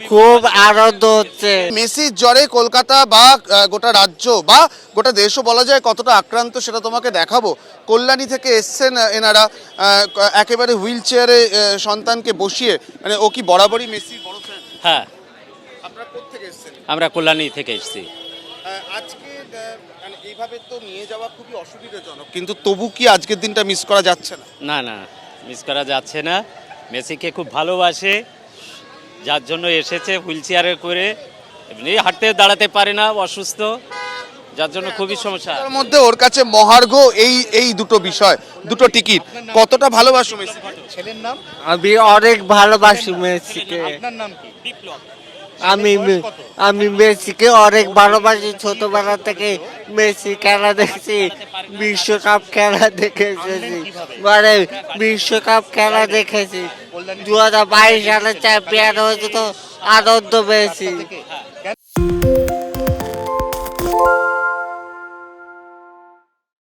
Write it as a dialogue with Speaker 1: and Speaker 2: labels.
Speaker 1: খুব আনন্দ হচ্ছে।
Speaker 2: মেসির জ্বরে কলকাতা বা গোটা রাজ্য বা গোটা দেশও বলা যায় কতটা আক্রান্ত সেটা তোমাকে দেখাবো। কল্যাণী থেকে এসছেন এনারা একেবারে হুইল চেয়ারে সন্তানকে বসিয়ে, মানে ও কি বরাবরই মেসির বড় ফ্যান?
Speaker 3: হ্যাঁ,
Speaker 2: আপনারা কোত্থেকে এসছেন?
Speaker 3: আমরা কল্যাণী থেকে এসেছি।
Speaker 2: আজকে মানে এইভাবে তো নিয়ে যাওয়া খুবই অসুবিধাজনক, কিন্তু তবু কি আজকের দিনটা মিস করা যাচ্ছে না?
Speaker 3: না না, মিস করা যাচ্ছে না। মেসিকে খুব ভালোবাসে, যার জন্য এসেছে হুইল চেয়ারে করে। এমনি হাঁটতে দাঁড়াতে পারে না, অসুস্থ, যার জন্য খুবই সমস্যা।
Speaker 2: তার মধ্যে ওর কাছে মহার্ঘ এই দুটো বিষয়, দুটো টিকিট। কতটা ভালোবাসো মেসি?
Speaker 4: ছেলের নাম?
Speaker 1: আমি অনেক ভালোবাসি মেসিকে।
Speaker 4: আপনার নাম কি?
Speaker 3: বিপ্লব।
Speaker 1: আমি মেসিকে অনেক ভালোবাসি। ছোটবেলা থেকে মেসি খেলা দেখছি, বিশ্বকাপ খেলা দেখে এসেছি, মানে বিশ্বকাপ খেলা দেখেছি। 2022 সালে চ্যাম্পিয়ন হয়েছে, তো আনন্দ পেয়েছি।